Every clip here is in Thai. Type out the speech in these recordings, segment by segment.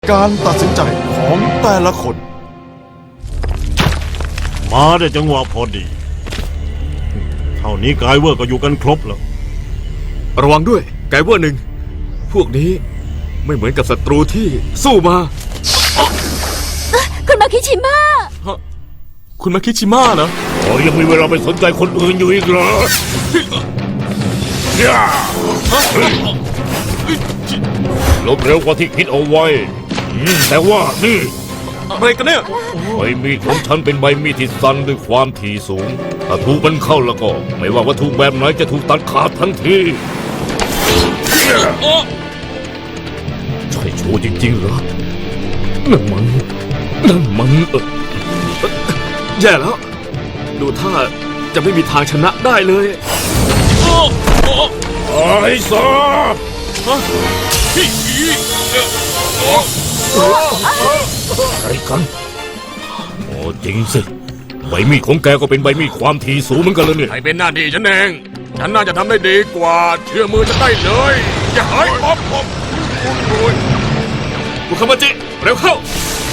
การตัดสินใจของแต่ละคนมาได้จังหวะพอดีเท่านี้กายเวอร์ก็อยู่กันครบแล้วระวังด้วยไกเวอร์หนึ่งพวกนี้ไม่เหมือนกับศัตรูที่สู้มาคุณมาคิชิมะคุณมาคิชิมะเหรอยังมีเวลาไปสนใจคนอื่นอยู่อีกเหรอลบเร็วกว่าที่คิดเอาไว้แต่ว่านี่อะไรกันเนี่ยใบมีดของฉันเป็นใบมีดที่สั้นด้วยความถี่สูงถ้าถูกมันเข้าแล้วก็ไม่ว่าวัตถุแบบไหนจะถูกตัดขาดทันทีใช่โชว์จริงๆเหรอนั่นมันแย่แล้วดูท่าจะไม่มีทางชนะได้เลยไอ้ซาอะไรกันโอ้จริงสิใบมีดของแกก็เป็นใบมีดความถี่สูงเหมือนกันเลยเนี่ยให้เป็นหน้าที่ฉันเองฉันน่าจะทำได้ดีกว่าเชื่อมือฉันได้เลยอย่าหายป๊อปบุคามาจิเร็วเข้า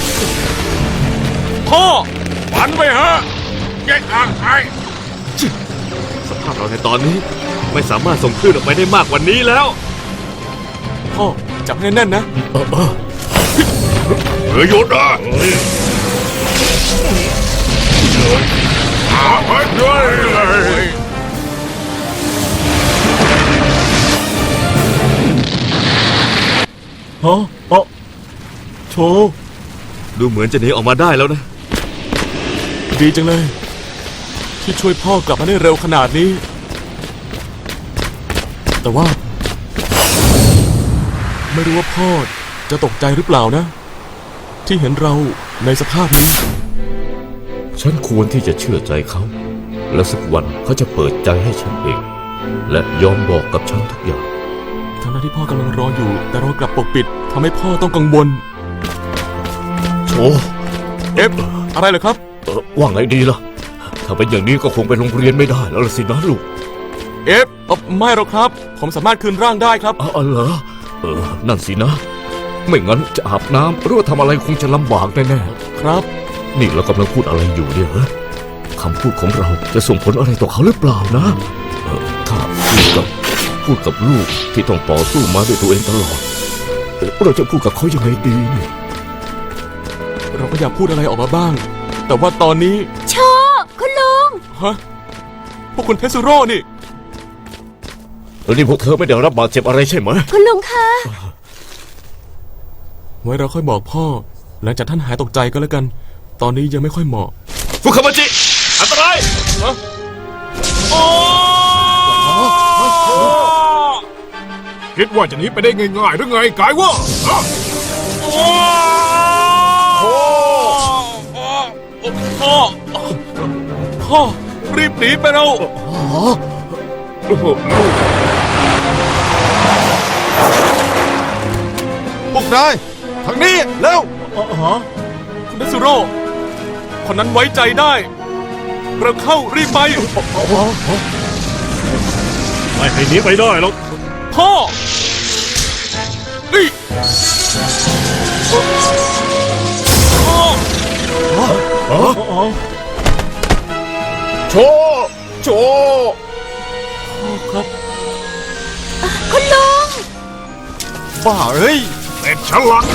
พ่อฝันไปฮะแยกอ่างไอ้สภาพเราในตอนนี้ไม่สามารถส่งคลื่นออกไปได้มากกว่านี้แล้วพ่อจับให้แน่นนะหยุดนะโชว์ดูเหมือนจะหนีออกมาได้แล้วนะดีจังเลยที่ช่วยพ่อกลับมาได้เร็วขนาดนี้แต่ว่าไม่รู้ว่าพ่อจะตกใจหรือเปล่านะที่เห็นเราในสภาพนี้ฉันควรที่จะเชื่อใจเขาและสักวันเขาจะเปิดใจให้ฉันเองและยอมบอกกับฉันทุกอย่างทั้งที่พ่อกำลังรออยู่แต่เรากลับปกปิดทำให้พ่อต้องกังวลโชอะไรเหรอครับว่าไงดีล่ะถ้าเป็นอย่างนี้ก็คงไปโรงเรียนไม่ได้แล้วสินะลูกไม่หรอกครับผมสามารถคืนร่างได้ครับเหรอนั่นสินะไม่งั้นจะอาบน้ำหรือว่าทำอะไรคงจะลำบากแน่ๆครับนี่เรากำลังพูดอะไรอยู่เนี่ยคำพูดของเราจะส่งผลอะไรต่อเขาหรือเปล่านะถ้าพูดกับลูกที่ต้องต่อสู้มาด้วยตัวเองตลอดเราจะพูดกับเขายังไงดีเนี่ยเราก็อยากพูดอะไรออกมาบ้างแต่ว่าตอนนี้โชคุณลุงพวกคุณเทสุโร่นี่นี่พวกเธอไม่ได้รับบาดเจ็บอะไรใช่ไหมคุณลุงคะไว้เราค่อยบอกพ่อหลังจากท่านหายตกใจก็แล้วกันตอนนี้ยังไม่ค่อยเหมาะฟุคามาจิอันตรายคิดว่าจะหนีไปได้ง่ายๆหรือไงกายว่าพ่อรีบหนีไปเราพวกนายทางนี้เร็วคุณเทสุโร่คนนั้นไว้ใจได้เราเข้ารีบไปไม่ให้หนีไปได้หรอกพ่อโชครับคุณลุงบ้าเอ้ยเป็นฉลาด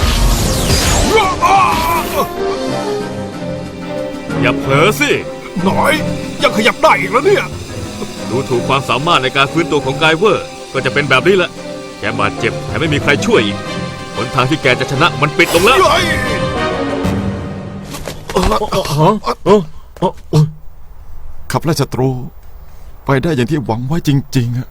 อย่าเผลอสิหน่อยยังขยับได้อีกแล้วเนี่ยดูถูกความสามารถในการฟื้นตัวของไกเวอร์ก็จะเป็นแบบนี้แหละแกบาดเจ็บแถมไม่มีใครช่วยอีกหนทางที่แกจะชนะมันปิดลงแล้วขับไล่ศัตรูไปได้อย่างที่หวังไว้จริงๆ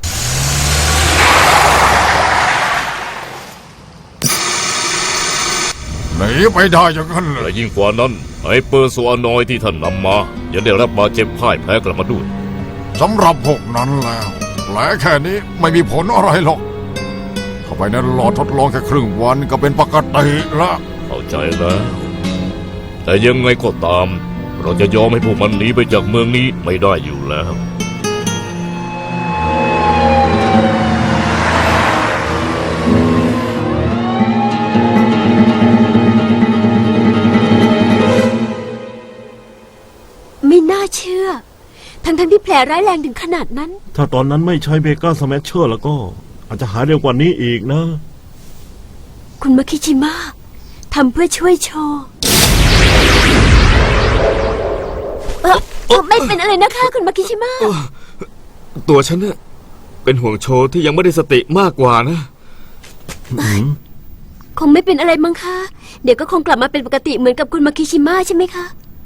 หนีไปได้อย่างนั้นเลยและยิ่งกว่านั้นไฮเปอร์โซอานอยด์ที่ท่านนำมายังได้รับบาดเจ็บพ่ายแพ้กลับมาด้วยสำหรับพวกนั้นแล้วแผลแค่นี้ไม่มีผลอะไรหรอกเข้าไปในหลอดทดลองแค่ครึ่งวันก็เป็นปกติละเข้าใจแล้วแต่ยังไงก็ตามเราจะยอมให้พวกมันหนีไปจากเมืองนี้ไม่ได้อยู่แล้วทั้งที่แผลร้ายแรงถึงขนาดนั้นถ้าตอนนั้นไม่ใช้เบก้าสแมชเชอร์แล้วก็ อาจจะหายเร็วกว่านี้อีกนะคุณมาคิชิมะทำเพื่อช่วยโชว์ไม่เป็นอะไรนะคะ คุณมาคิชิมะตัวฉันเนี่ยเป็นห่วงโชว์ที่ยังไม่ได้สติมากกว่านะคงไม่เป็นอะไรมั้งคะเดี๋ยวก็คงกลับมาเป็นปกติเหมือนกับคุณมาคิชิมะใช่ไหมคะ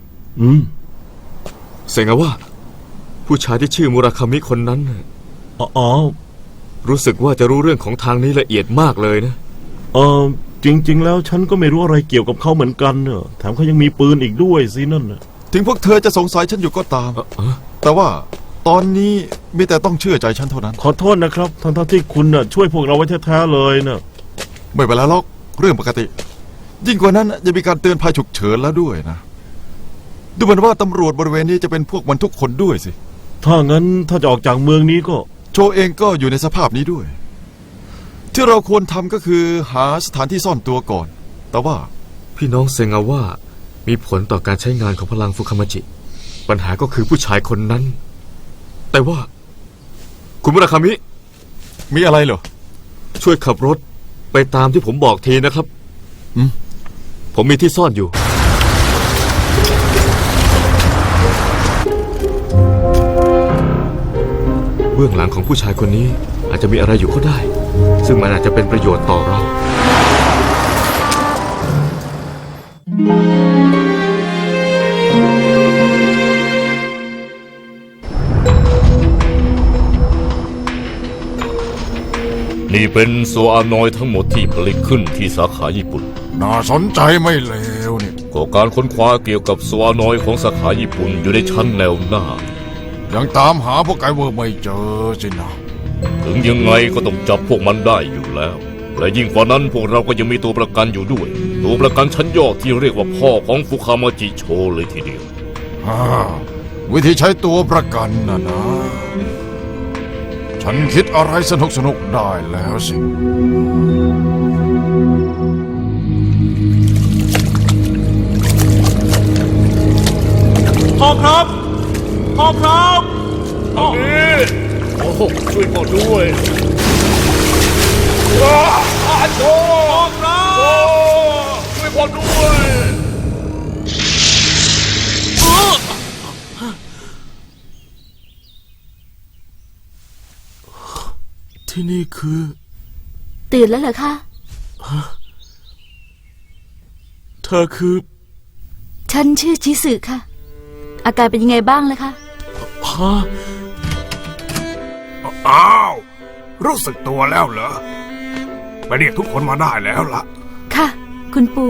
เซงาว่า ผู้ชายที่ชื่อมุราคามิคนนั้นน่ะอ๋อรู้สึกว่าจะรู้เรื่องของทางนี้ละเอียดมากเลยนะจริง ๆ แล้วฉันก็ไม่รู้อะไรเกี่ยวกับเขาเหมือนกันเนอะแถมเขายังมีปืนอีกด้วยสินั่นน่ะถึงพวกเธอจะสงสัยฉันอยู่ก็ตาม แต่ว่าตอนนี้มีแต่ต้องเชื่อใจฉันเท่านั้นขอโทษนะครับทั้งที่คุณน่ะช่วยพวกเราไว้แท้ๆเลยนะไม่เป็นไรหรอกเรื่องปกติ ยิ่งกว่านั้นยังมีการเตือนภัยฉุกเฉินแล้วด้วยนะ ดูเหมือนว่าตำรวจบริเวณนี้จะเป็นพวกมันทุกคนด้วยสิถ้างั้นถ้าจะออกจากเมืองนี้ก็โชเองก็อยู่ในสภาพนี้ด้วย ที่เราควรทำก็คือหาสถานที่ซ่อนตัวก่อน แต่ว่าพี่น้องเซงาว่ามีผลต่อการใช้งานของพลังฟุคามาจิ ปัญหาก็คือผู้ชายคนนั้น แต่ว่า คุณมุราคามิมีอะไรเหรอช่วยขับรถไปตามที่ผมบอกทีนะครับ ผมมีที่ซ่อนอยู่ เบื้องหลังของผู้ชายคนนี้อาจจะมีอะไรอยู่ก็ได้ ซึ่งมันอาจจะเป็นประโยชน์ต่อเรานี่เป็นโซอานอยด์ทั้งหมดที่ผลิตขึ้นที่สาขาญี่ปุ่นน่าสนใจไม่เลวนี่ก็การค้นคว้าเกี่ยวกับโซอานอยด์ของสาขาญี่ปุ่นอยู่ในชั้นแนวหน้ายังตามหาพวกไกเวอร์ไม่เจอสินะถึงยังไงก็ต้องจับพวกมันได้อยู่แล้ว และยิ่งกว่านั้นพวกเราก็ยังมีตัวประกันอยู่ด้วย ตัวประกันชั้นยอดที่เรียกว่าพ่อของฟุคามาจิโชเลยทีเดียววิธีใช้ตัวประกันนะ ฉันคิดอะไรสนุกได้แล้วสิพ่อครับ พ่อครับโอ้ช่วยพ่อด้วยโจช่วยพ่อด้วยที่นี่คือตื่นแล้วเหรอคะเธอคือฉันชื่อชิสึค่ะ อาการเป็นยังไงบ้างล่ะคะฮะอ้าว รู้สึกตัวแล้วเหรอไปเรียกทุกคนมาได้แล้วล่ะค่ะ คุณปู่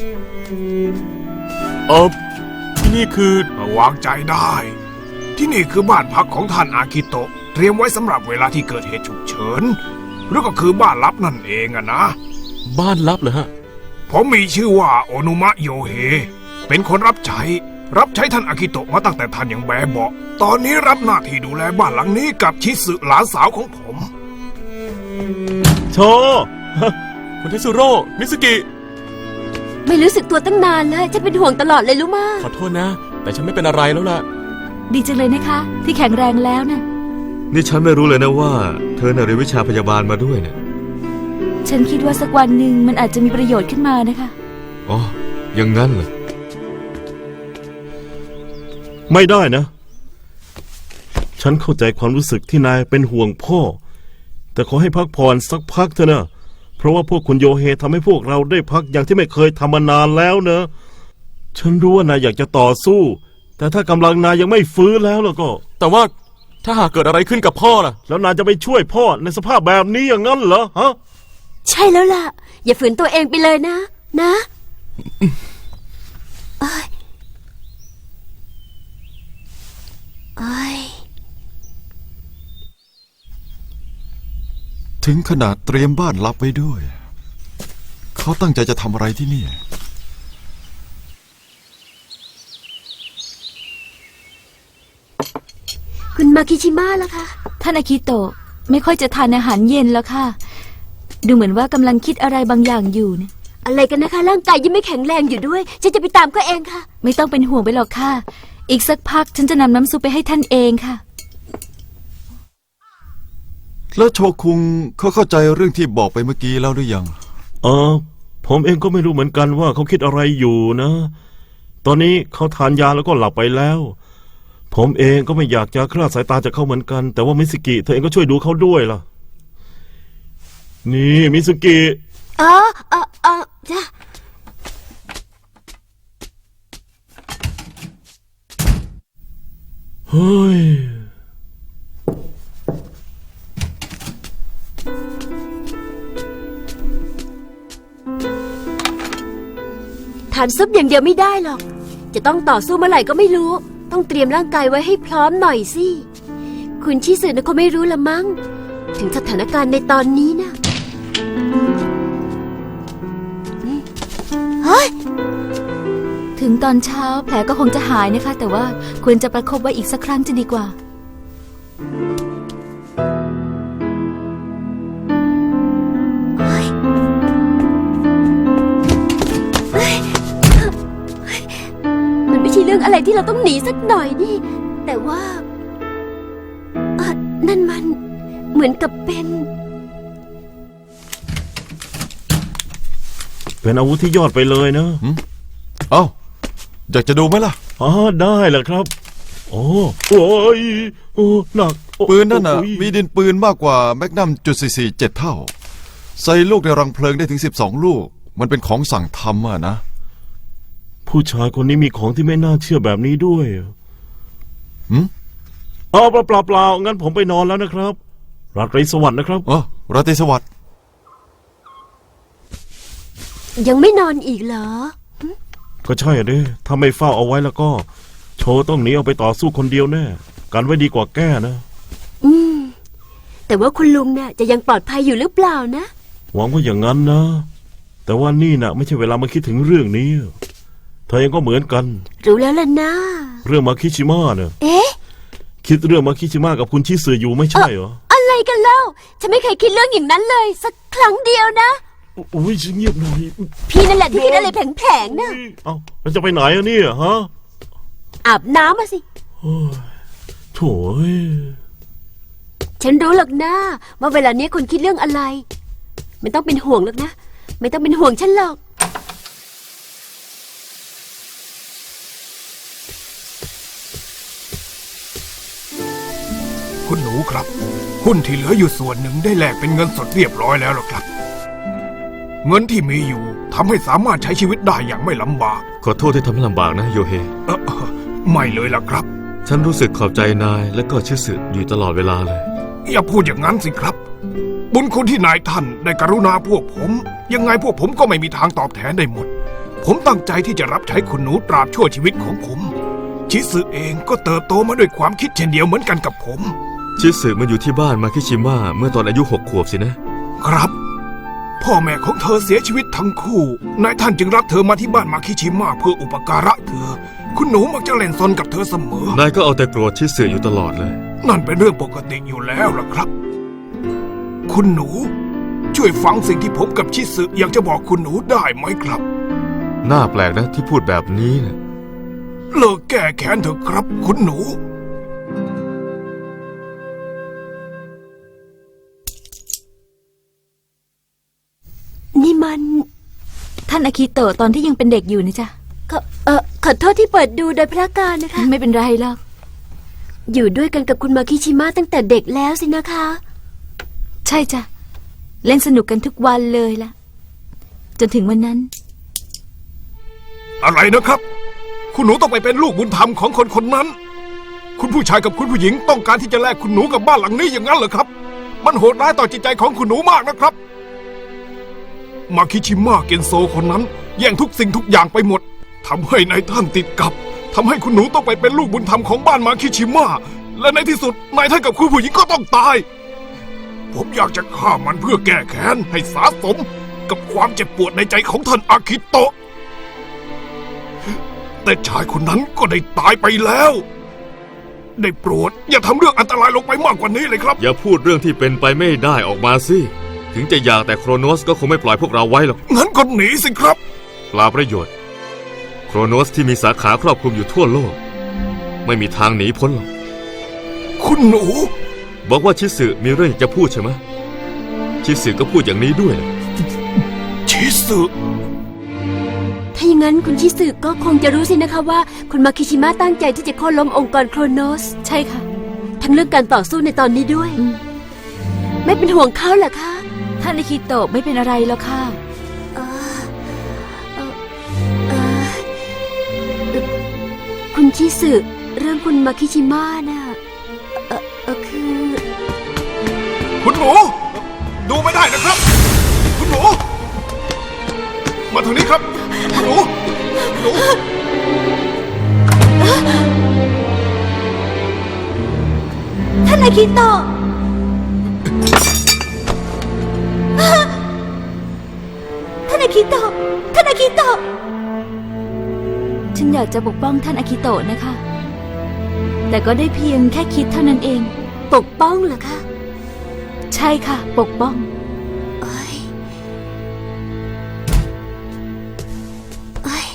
ที่นี่คือวางใจได้ ที่นี่คือบ้านพักของท่านอากิโตะเตรียมไว้สำหรับเวลาที่เกิดเหตุฉุกเฉินหรือก็คือบ้านลับนั่นเองอะนะบ้านลับเหรอฮะผมมีชื่อว่าโอนุมะโยเฮเป็นคนรับใช้ท่านอากิโตะมาตั้งแต่ท่านยังแบเบาะตอนนี้รับหน้าที่ดูแลบ้านหลังนี้กับชิสึหลานสาวของผมโชคุณเทสุโร่มิสกิไม่รู้สึกตัวตั้งนานเลยจะเป็นห่วงตลอดเลยรู้มาขอโทษนะ แต่ฉันไม่เป็นอะไรแล้วล่ะดีจังเลยนะคะ ที่แข็งแรงแล้วนะนี่ฉันไม่รู้เลยนะว่า เธอน่ะเรียนวิชาพยาบาลมาด้วยเนี่ยฉันคิดว่าสักวันหนึ่งมันอาจจะมีประโยชน์ขึ้นมานะคะอ๋อยังงั้นเหรอไม่ได้นะ ฉันเข้าใจความรู้สึกที่นายเป็นห่วงพ่อ แต่ขอให้พักผ่อนสักพักเถอะนะเพราะว่าพวกคุณโยเฮทำให้พวกเราได้พักอย่างที่ไม่เคยทำมานานแล้วเนอะฉันรู้ว่านายอยากจะต่อสู้ แต่ถ้ากำลังนายยังไม่ฟื้นแล้วก็แต่ว่าถ้าหากเกิดอะไรขึ้นกับพ่อล่ะแล้วนายจะไปช่วยพ่อในสภาพแบบนี้อย่างนั้นเหรอฮะใช่แล้วล่ะ อย่าฝืนตัวเองไปเลยนะ นะเอ้ยเอ้ยถึงขนาดเตรียมบ้านลับไว้ด้วย เขาตั้งใจจะทำอะไรที่นี่คุณมาคิชิมะล่ะคะ ท่านอากิโตะไม่ค่อยจะทานอาหารเย็นแล้วค่ะ ดูเหมือนว่ากำลังคิดอะไรบางอย่างอยู่นะอะไรกันนะคะ ร่างกายยังไม่แข็งแรงอยู่ด้วยฉันจะไปตามก็เองค่ะ ไม่ต้องเป็นห่วงไปหรอกค่ะอีกสักพักฉันจะนำน้ำซุปไปให้ท่านเองค่ะแล้วโชคุงเขาเข้าใจเรื่องที่บอกไปเมื่อกี้แล้วหรือยังผมเองก็ไม่รู้เหมือนกันว่าเขาคิดอะไรอยู่นะ ตอนนี้เขาทานยาแล้วก็หลับไปแล้ว ผมเองก็ไม่อยากจะคลาดสายตาจากเขาเหมือนกัน แต่ว่ามิสกิเธอเองก็ช่วยดูเขาด้วยล่ะ นี่มิสกิจ้ะเฮ้ยทานซุปอย่างเดียวไม่ได้หรอก จะต้องต่อสู้เมื่อไหร่ก็ไม่รู้ ต้องเตรียมร่างกายไว้ให้พร้อมหน่อยสิ คุณชิสึนะเขาไม่รู้ละมั้ง ถึงสถานการณ์ในตอนนี้นะเฮ้ยถึงตอนเช้าแผลก็คงจะหายนะคะ แต่ว่าควรจะประคบไว้อีกสักครั้งจะดีกว่ามันไม่ใช่เรื่องอะไรที่เราต้องหนีสักหน่อยนี่ แต่ว่านั่นมันเหมือนกับเป็นเป็นอาวุธที่ยอดไปเลยนะเอ้า อยากจะดูไหมล่ะได้แหละครับ โอ้ยโอ้หนักโอ้ปืนนั่นน่ะโอ้ยมีดินปืนมากกว่าแมกนัมจุด447 เท่า ใส่ลูกในรังเพลิงได้ถึง12 ลูก มันเป็นของสั่งทำอะนะผู้ชายคนนี้มีของที่ไม่น่าเชื่อแบบนี้ด้วยหืมเปล่างั้นผมไปนอนแล้วนะครับ ราตรีสวัสดิ์นะครับราตรีสวัสดิ์ยังไม่นอนอีกเหรอก็ใช่อะดิถ้าไม่เฝ้าเอาไว้แล้วก็ โชว์ต้องหนีเอาไปต่อสู้คนเดียวแน่ กันไว้ดีกว่าแก้นะแต่ว่าคุณลุงน่ะจะยังปลอดภัยอยู่หรือเปล่านะหวังว่าอย่างนั้นนะ แต่ว่านี่น่ะ ไม่ใช่เวลามาคิดถึงเรื่องนี้ เธอเองก็เหมือนกันรู้แล้วล่ะนะเรื่องมาคิชิมะเนี่ยเอ๊ะคิดเรื่องมาคิชิมะกับคุณชิสึอยู่ไม่ใช่เหรออะไรกันเล่า ฉันไม่เคยคิดเรื่องอย่างนั้นเลย สักครั้งเดียวนะอุ้ยเงียบหน่อยพี่นั่นแหละที่คิดอะไรแผลงๆนะเอ้าแล้วจะไปไหนอะเนี่ยฮะอาบน้ำมาสิโถ่เอ้ยฉันรู้หรอกนะว่าเวลานี้คุณคิดเรื่องอะไร ไม่ต้องเป็นห่วงหรอกนะ ไม่ต้องเป็นห่วงฉันหรอกคุณหนูครับ หุ้นที่เหลืออยู่ส่วนหนึ่งได้แลกเป็นเงินสดเรียบร้อยแล้วหรอครับ เงินที่มีอยู่ทำให้สามารถใช้ชีวิตได้อย่างไม่ลำบากขอโทษที่ทำให้ลำบากนะโยเฮไม่เลยล่ะครับฉันรู้สึกขอบใจนายและก็ชื่อสึอยู่ตลอดเวลาเลยอย่าพูดอย่างนั้นสิครับ บุญคุณที่นายท่านได้กรุณาพวกผม ยังไงพวกผมก็ไม่มีทางตอบแทนได้หมด ผมตั้งใจที่จะรับใช้คุณหนูตราบชั่วชีวิตของผม ชิสึเองก็เติบโตมาด้วยความคิดเช่นเดียวเหมือนกันกับผมชิสึมาอยู่ที่บ้านมาคิชิมะเมื่อตอนอายุ6 ขวบสินะครับ พ่อแม่ของเธอเสียชีวิตทั้งคู่ นายท่านจึงรับเธอมาที่บ้านมาคิชิมะเพื่ออุปการะเธอ คุณหนูมักจะเล่นซนกับเธอเสมอนายก็เอาแต่โกรธชิสึอยู่ตลอดเลยนั่นเป็นเรื่องปกติอยู่แล้วล่ะครับ คุณหนู ช่วยฟังสิ่งที่ผมกับชิสึอยากจะบอกคุณหนูได้ไหมครับน่าแปลกนะที่พูดแบบนี้นะเลิกแก้แค้นเถอะครับ คุณหนูนี่มันท่านอากิโตะตอนที่ยังเป็นเด็กอยู่นะจ๊ะขอโทษที่เปิดดูโดยพระการนะคะไม่เป็นไรหรอกอยู่ด้วยกันกับคุณมาคิชิมะตั้งแต่เด็กแล้วสินะคะใช่จ้ะ เล่นสนุกกันทุกวันเลยล่ะ จนถึงวันนั้นอะไรนะครับ คุณหนูต้องไปเป็นลูกบุญธรรมของคนคนนั้น คุณผู้ชายกับคุณผู้หญิงต้องการที่จะแลกคุณหนูกับบ้านหลังนี้อย่างนั้นเหรอครับ มันโหดร้ายต่อจิตใจของคุณหนูมากนะครับ มาคิชิมะเกนโซคนนั้นแย่งทุกสิ่งทุกอย่างไปหมดทำให้นายท่านติดกับทำให้คุณหนูต้องไปเป็นลูกบุญธรรมของบ้านมาคิชิมะและในที่สุดนายท่านกับคุณผู้หญิงก็ต้องตาย ผมอยากจะฆ่ามันเพื่อแก้แค้นให้สาสมกับความเจ็บปวดในใจของท่านอากิโตะ แต่ชายคนนั้นก็ได้ตายไปแล้ว ได้โปรดอย่าทำเรื่องอันตรายลงไปมากกว่านี้เลยครับอย่าพูดเรื่องที่เป็นไปไม่ได้ออกมาสิ ถึงจะอยากแต่โครโนสก็คงไม่ปล่อยพวกเราไว้หรอกงั้นก็หนีสิครับเปล่าประโยชน์ โครโนสที่มีสาขาครอบคลุมอยู่ทั่วโลกไม่มีทางหนีพ้นหรอกคุณหนูบอกว่าชิสึมีเรื่องจะพูดใช่ไหมชิสึก็พูดอย่างนี้ด้วยชิสึถ้าอย่างนั้นคุณชิสึก็คงจะรู้สินะคะว่าคุณมาคิชิมะตั้งใจที่จะโค่นล้มองค์กรโครโนสใช่ค่ะทั้งเรื่องการต่อสู้ในตอนนี้ด้วย ไม่เป็นห่วงเขาเหรอคะท่านอาคิโตะไม่เป็นอะไรแล้วค่ะเอ่อเอ่อเอ่อคุณชิสึเรื่องคุณมาคิชิมะน่ะคือคุณหนู ดูไม่ได้นะครับ คุณหนู มาทางนี้ครับ คุณหนูคุณหนูท่านอาคิโตะท่านอาคิโตะท่านอาคิโตะฉันอยากจะปกป้องท่านอาคิโตะนะคะ แต่ก็ได้เพียงแค่คิดเท่านั้นเองปกป้องเหรอคะใช่ค่ะ ปกป้องเอ้ยเอ้ย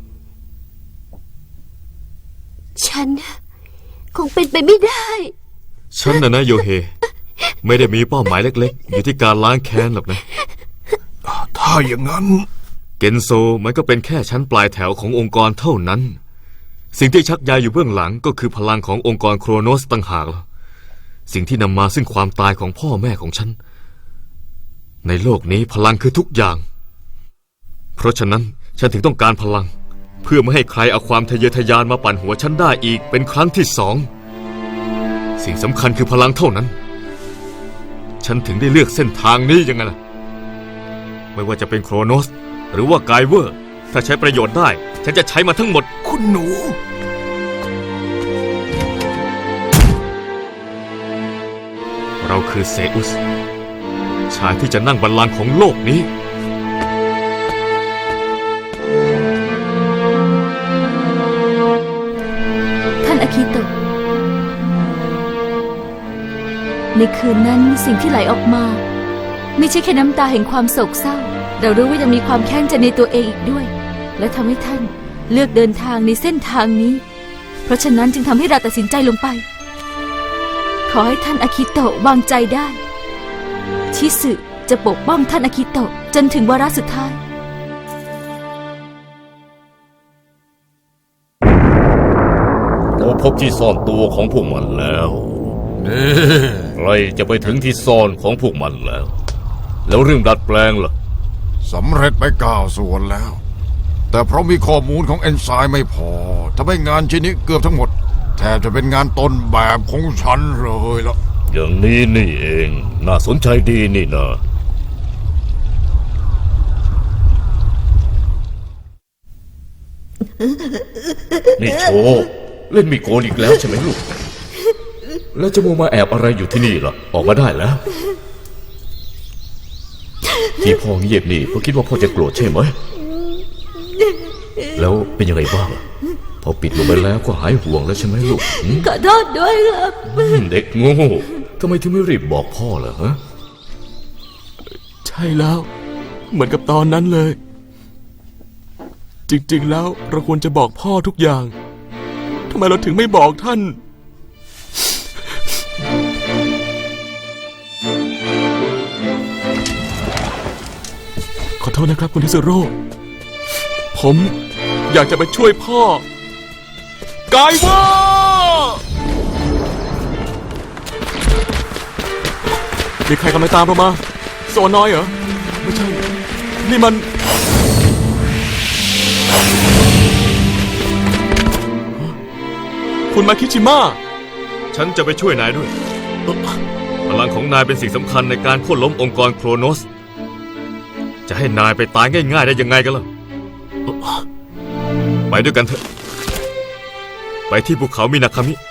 ฉันคงเป็นไปไม่ได้ฉันนะโยเฮ ไม่ได้มีเป้าหมายเล็กๆ อยู่ที่การล้างแค้นหรอกนะถ้าอย่างนั้นเกนโซมันก็เป็นแค่ชั้นปลายแถวขององค์กรเท่านั้น สิ่งที่ชักใยอยู่เบื้องหลังก็คือพลังขององค์กรโครโนสต่างหากล่ะสิ่งที่นำมาซึ่งความตายของพ่อแม่ของฉัน ในโลกนี้พลังคือทุกอย่าง เพราะฉะนั้นฉันถึงต้องการพลัง เพื่อไม่ให้ใครเอาความทะเยอทะยานมาปั่นหัวฉันได้อีกเป็นครั้งที่สองสิ่งสำคัญคือพลังเท่านั้น ฉันถึงได้เลือกเส้นทางนี้ยังไงล่ะไม่ว่าจะเป็นโครโนสหรือว่าไกเวอร์ถ้าใช้ประโยชน์ได้ฉันจะใช้มันทั้งหมดคุณหนูเราคือเซอุสชายที่จะนั่งบัลลังก์ของโลกนี้ท่านอาคิโตะในคืนนั้นสิ่งที่ไหลออกมา ไม่ใช่แค่น้ำตาแห่งความโศกเศร้า เรารู้ว่ายังมีความแค้นใจในตัวเองอีกด้วย และทำให้ท่านเลือกเดินทางในเส้นทางนี้ เพราะฉะนั้นจึงทำให้เราตัดสินใจลงไป ขอให้ท่านอาคิโตะวางใจได้ ชิสึจะปกป้องท่านอาคิโตะจนถึงวาระสุดท้ายเราพบที่ซ่อนตัวของพวกมันแล้วนี่ใครจะไปถึงที่ซ่อนของพวกมันแล้ว แล้วเรื่องดัดแปลงล่ะสำเร็จไป9 ส่วนแล้ว แต่เพราะมีข้อมูลของเอนไซม์ไม่พอทำให้งานชิ้นนี้เกือบทั้งหมดแทบจะเป็นงานต้นแบบของฉันเลยล่ะอย่างนี้นี่เอง น่าสนใจดีนี่นะ นี่โชว์เล่นมีโกนอีกแล้วใช่ไหมลูก แล้วจะมัวมาแอบอะไรอยู่ที่นี่ล่ะ ออกมาได้แล้ว ที่พ่อเงียบนี่เพราะคิดว่าพ่อจะโกรธใช่ไหม แล้วเป็นยังไงบ้างพอปิดลงไปแล้วก็หายห่วงแล้วใช่ไหมลูกขอโทษด้วยครับเด็กโง่ทำไมถึงไม่รีบบอกพ่อล่ะฮะใช่แล้ว เหมือนกับตอนนั้นเลย จริงๆแล้วเราควรจะบอกพ่อทุกอย่างทำไมเราถึงไม่บอกท่าน ขอโทษนะครับคุณทิสโร่ผมอยากจะไปช่วยพ่อกายว่ามีใครกำลังตามเรามาโซน้อยเหรอ ไม่ใช่ นี่มัน คุณมาคิชิมะฉันจะไปช่วยนายด้วย พลังของนายเป็นสิ่งสำคัญในการโค่นล้มองค์กรโครโนส จะให้นายไปตายง่ายๆได้ยังไงกันล่ะ ไปด้วยกันเถอะ ไปที่ภูเขามินาคามิ